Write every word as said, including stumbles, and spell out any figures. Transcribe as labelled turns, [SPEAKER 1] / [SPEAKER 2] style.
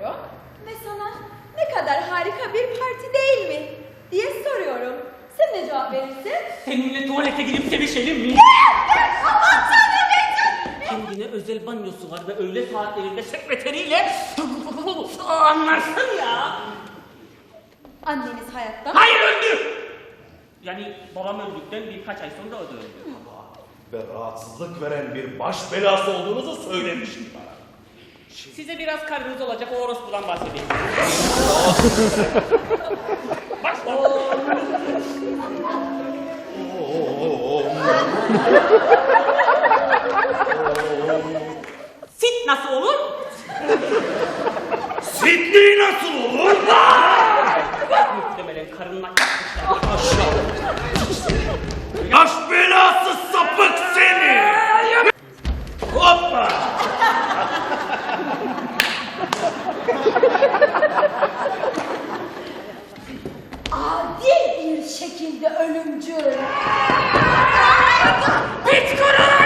[SPEAKER 1] bakıyorum ve sana ne kadar harika bir parti değil mi diye soruyorum. Sen ne cevap verirsin?
[SPEAKER 2] Seninle tuvalete gidip sevişelim mi?
[SPEAKER 1] Aman tanrım Necdet!
[SPEAKER 2] Kendine özel banyosu var ve öğle saatlerinde sekreteriyle anlarsın ya.
[SPEAKER 1] Anneniz hayatta mı?
[SPEAKER 2] Hayır, öldü. Yani babam öldükten birkaç ay sonra o da öldü.
[SPEAKER 3] Ve rahatsızlık veren bir baş belası olduğunuzu söylemiştim bana.
[SPEAKER 2] Size biraz karınız olacak o orospudan bahsedeyim. Başla. Sit nasıl olur?
[SPEAKER 3] Sidney nasıl olur?
[SPEAKER 2] Muhtemelen karınla yapmışlar.
[SPEAKER 3] Baş belası sapık seni! Hoppa!
[SPEAKER 1] Adil bir şekilde ölümcül.
[SPEAKER 2] Bit kırılır!